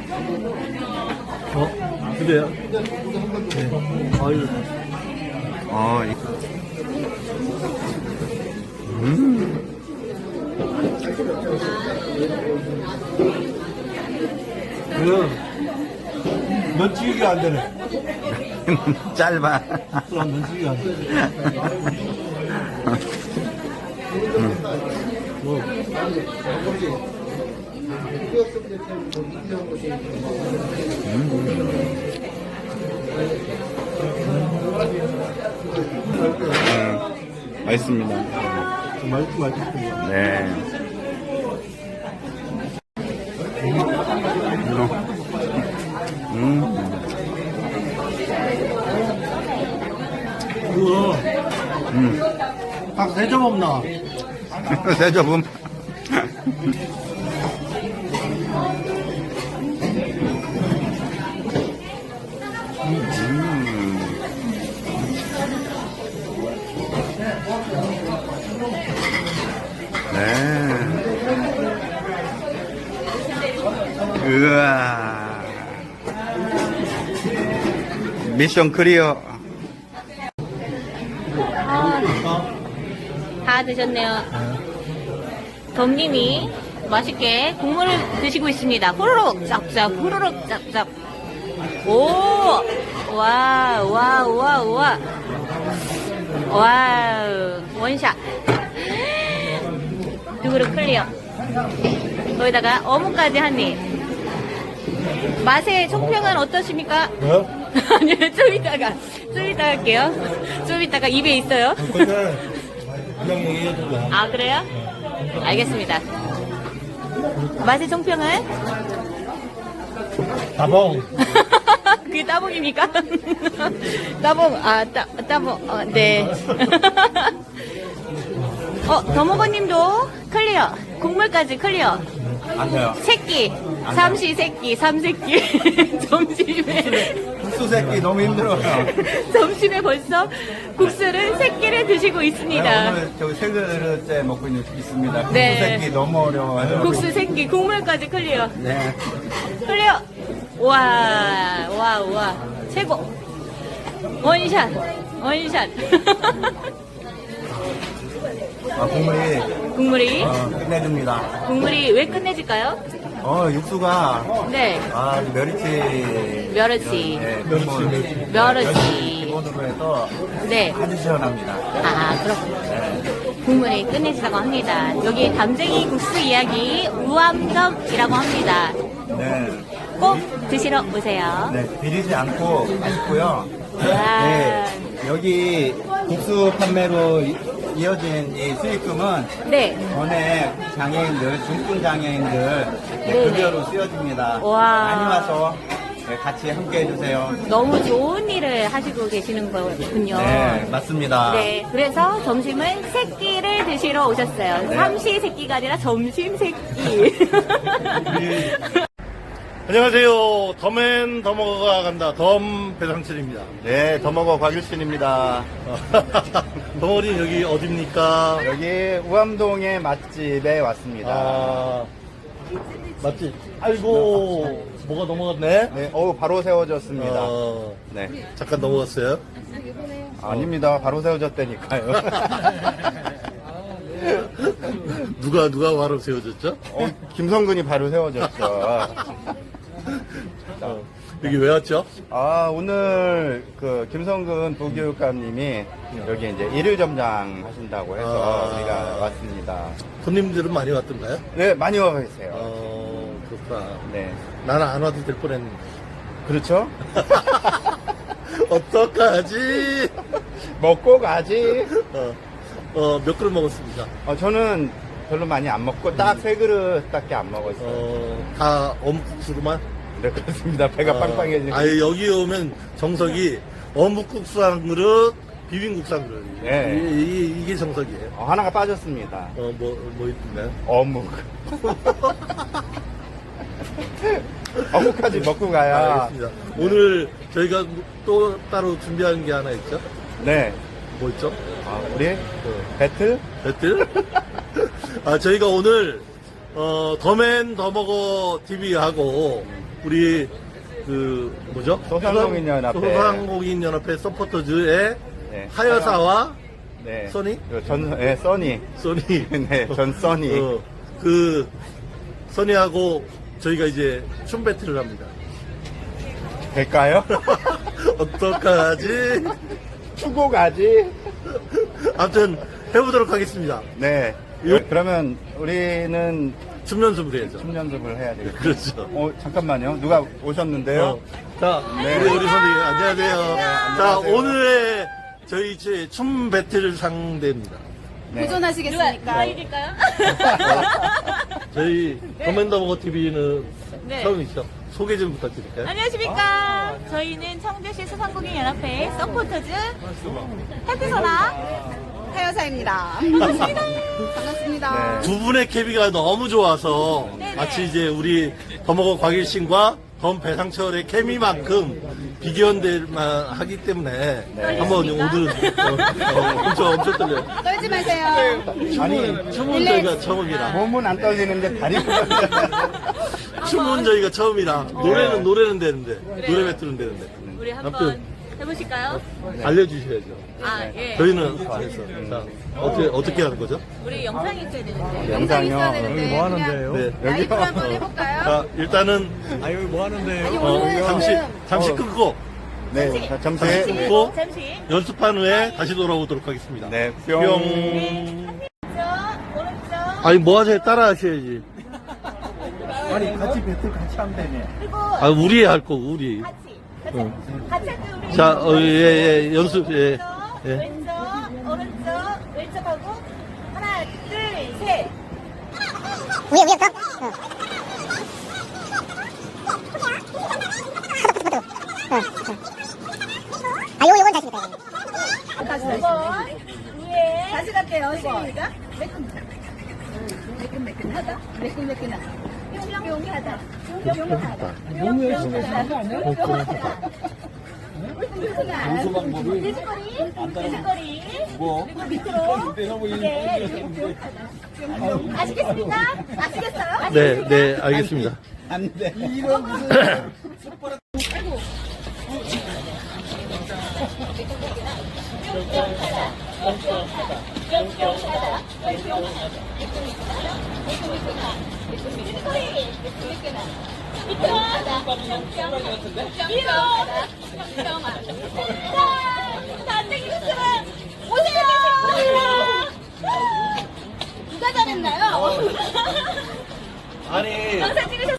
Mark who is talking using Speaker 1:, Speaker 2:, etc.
Speaker 1: 그래요? 네. 아유.
Speaker 2: 어,
Speaker 1: 그럼 면치기가 안 되네.
Speaker 2: 짧아.
Speaker 1: 그럼 면치기가 안 되네. 뭐.
Speaker 2: 맛있습니다.
Speaker 1: 맛있습니다.
Speaker 2: 네.
Speaker 1: 우와. 딱 3점 없나?
Speaker 2: 세조금. 네. 으아. 미션 클리어.
Speaker 3: 다 드셨네요. 덤님이 맛있게 국물을 드시고 있습니다. 후루룩 짭짭, 후루룩 짭짭. 오! 와, 와, 와, 와. 와우. 원샷. 두 그릇 클리어. 거기다가 어묵까지 한 입. 맛의 총평은 어떠십니까?
Speaker 1: 네?
Speaker 3: 아니요, 좀 이따가 할게요. 좀 이따가 입에 있어요.
Speaker 1: 근데 그냥 얘기해도 돼.
Speaker 3: 아, 그래요? 알겠습니다. 맛의 총평은?
Speaker 1: 다봉.
Speaker 3: 그게 따봉입니까? 따봉, 따봉, 네. 더먹어님도 클리어. 국물까지 클리어.
Speaker 2: 안 돼요.
Speaker 3: 새끼, 삼시세끼, 삼새끼. 점심에.
Speaker 2: 국수 새끼 너무 힘들어요.
Speaker 3: 점심에 벌써 국수를 새끼를 드시고 있습니다.
Speaker 2: 오늘 저기 세 그릇째 먹고 있습니다. 국수
Speaker 3: 네.
Speaker 2: 새끼 너무 어려워요.
Speaker 3: 국수 새끼, 국물까지 클리어.
Speaker 2: 네.
Speaker 3: 클리어. 와, 와, 와. 최고. 원샷. 원샷.
Speaker 2: 아, 국물이
Speaker 3: 국물이,
Speaker 2: 끝내줍니다.
Speaker 3: 국물이 왜 끝내질까요?
Speaker 2: 육수가
Speaker 3: 네.
Speaker 2: 멸치.
Speaker 3: 멸치.
Speaker 2: 네,
Speaker 3: 멸치.
Speaker 2: 기본으로 해서
Speaker 3: 네.
Speaker 2: 아주 시원합니다.
Speaker 3: 아, 그렇군요. 국물이 끝내지라고 합니다. 여기 담쟁이 국수 이야기 우암덕이라고 합니다.
Speaker 2: 네.
Speaker 3: 꼭 드시러 오세요.
Speaker 2: 네, 비리지 않고 맛있고요.
Speaker 3: 와.
Speaker 2: 네, 여기 국수 판매로 이어진 이 수익금은
Speaker 3: 네.
Speaker 2: 전에 장애인들, 중증 장애인들 급여로 쓰여집니다.
Speaker 3: 와.
Speaker 2: 많이 와서 같이 함께 해주세요.
Speaker 3: 너무 좋은 일을 하시고 계시는 거군요.
Speaker 2: 네, 맞습니다.
Speaker 3: 네, 그래서 점심은 새끼를 드시러 오셨어요.
Speaker 2: 네.
Speaker 3: 삼시세끼가 아니라 점심 새끼.
Speaker 1: 안녕하세요. 덤앤 더먹어가 간다. 덤 배상철입니다.
Speaker 2: 네, 더먹어 곽일신입니다.
Speaker 1: 덩어리 여기 어딥니까?
Speaker 2: 여기 우암동의 맛집에 왔습니다.
Speaker 1: 아, 맞지? 아이고, 뭐가 넘어갔네?
Speaker 2: 네, 바로 세워졌습니다. 네.
Speaker 1: 잠깐 넘어갔어요.
Speaker 2: 아닙니다. 바로 세워졌다니까요.
Speaker 1: 누가 바로 세워졌죠?
Speaker 2: 김성근이 바로 세워졌죠.
Speaker 1: 여기 왜 왔죠?
Speaker 2: 오늘 그 김성근 부교육감님이 여기 이제 일일 점장 하신다고 해서 우리가 왔습니다.
Speaker 1: 손님들은 많이 왔던가요?
Speaker 2: 네, 많이 와 계세요.
Speaker 1: 그렇구나.
Speaker 2: 네.
Speaker 1: 나는 안 와도 될 뻔했는데.
Speaker 2: 그렇죠?
Speaker 1: 어떡하지?
Speaker 2: 먹고 가지.
Speaker 1: 몇 그릇 먹었습니다.
Speaker 2: 저는 별로 많이 안 먹고 딱 3그릇밖에 안 먹었어요.
Speaker 1: 다 어묵국수로만?
Speaker 2: 네, 그렇습니다. 배가 빵빵해지고.
Speaker 1: 아니, 여기 오면 정석이 어묵국수 한 그릇, 비빔국수 한 그릇.
Speaker 2: 네.
Speaker 1: 이게 정석이에요.
Speaker 2: 하나가 빠졌습니다.
Speaker 1: 뭐 있던가요?
Speaker 2: 어묵. 어묵까지 먹고 가야.
Speaker 1: 알겠습니다. 오늘 저희가 또 따로 준비한 게 하나 있죠?
Speaker 2: 네.
Speaker 1: 뭐 있죠?
Speaker 2: 우리 배틀?
Speaker 1: 배틀? 저희가 오늘 더맨 더먹어 TV하고 우리 뭐죠?
Speaker 2: 소상공인연합회.
Speaker 1: 소상공인연합회 서포터즈의
Speaker 2: 네.
Speaker 1: 하여사와
Speaker 2: 네.
Speaker 1: 써니?
Speaker 2: 써니.
Speaker 1: 써니.
Speaker 2: 네, 전 써니.
Speaker 1: 써니하고 저희가 이제 춤 배틀을 합니다.
Speaker 2: 될까요?
Speaker 1: 어떡하지?
Speaker 2: 추고 가지.
Speaker 1: 아무튼 해보도록 하겠습니다.
Speaker 2: 네. 그러면 우리는
Speaker 1: 춤 연습을 해야죠.
Speaker 2: 춤 연습을 해야 되겠죠.
Speaker 1: 그렇죠.
Speaker 2: 잠깐만요. 누가 오셨는데요?
Speaker 1: 자,
Speaker 2: 네.
Speaker 1: 우리 선생님, 안녕하세요. 자,
Speaker 2: 안녕하세요.
Speaker 1: 오늘의 저희 춤 배틀 상대입니다.
Speaker 2: 네.
Speaker 3: 누가 이길까요?
Speaker 1: 저희 커맨더버거 TV는
Speaker 3: 네.
Speaker 1: 처음이시죠? 소개 좀 부탁드릴까요?
Speaker 3: 안녕하십니까. 저희는 청주시 소상공인연합회 서포터즈 해피소나
Speaker 4: 하여사입니다.
Speaker 3: 반갑습니다.
Speaker 4: 반갑습니다.
Speaker 2: 네.
Speaker 1: 두 분의 케미가 너무 좋아서
Speaker 3: 네네.
Speaker 1: 마치 이제 우리 더먹어 곽일신과 덤 배상철의 케미만큼 비교연대만 하기 때문에 한번 오늘은 엄청 떨려요.
Speaker 4: 떨지 마세요.
Speaker 2: 아니,
Speaker 1: 춤은 저희가 처음이라.
Speaker 2: 몸은 안 떨리는데 다리가
Speaker 1: 춤은 저희가 처음이라. 노래는 되는데. 노래 배틀은 되는데.
Speaker 3: 우리 한번
Speaker 1: 아무튼
Speaker 3: 해보실까요?
Speaker 1: 알려주셔야죠.
Speaker 3: 아, 예.
Speaker 1: 저희는 안 했어. 자, 어떻게 하는 거죠?
Speaker 3: 우리 영상이 있어야 되는데.
Speaker 4: 영상 있어야
Speaker 2: 영상이요.
Speaker 4: 되는데.
Speaker 5: 뭐 하는데요?
Speaker 1: 네.
Speaker 4: 라이브 한번 해볼까요?
Speaker 1: 자, 일단은
Speaker 5: 아, 여기 뭐 하는데요?
Speaker 4: 아니, 오늘
Speaker 1: 잠시 끊고
Speaker 2: 네, 자,
Speaker 1: 잠시
Speaker 2: 점수.
Speaker 1: 끊고
Speaker 3: 잠시.
Speaker 1: 연습한 후에 다시 돌아오도록 하겠습니다.
Speaker 2: 네,
Speaker 1: 뿅.
Speaker 2: 뿅.
Speaker 3: 왼쪽, 오른쪽.
Speaker 1: 아니 뭐 하세요? 따라 하셔야지.
Speaker 5: 아니, 같이 배틀 같이 하면 되네.
Speaker 3: 그리고
Speaker 1: 아 우리 할 거 우리.
Speaker 3: 같이. 같이 할게요, 우리.
Speaker 1: 자, 예, 연습, 예. 예.
Speaker 3: 왼쪽, 오른쪽, 왼쪽하고 하나, 둘, 셋.
Speaker 6: 요건 다시 볼까요?
Speaker 3: 다시 위에.
Speaker 4: 다시 갈게요. 시작. 매끈매끈하다. 매끈매끈하다. 뿅뿅하다. 뿅뿅하다. 뿅뿅하다.
Speaker 5: 연수 방법이
Speaker 3: 돼지꼬리.
Speaker 5: 뭐?
Speaker 3: 그리고 밑으로. 이게 아시겠습니까? 아시겠어요?
Speaker 1: 네, 알겠습니다.
Speaker 2: 안 돼.
Speaker 3: 누가 잘했나요?
Speaker 1: 아니.
Speaker 3: 영상 찍으셨어요?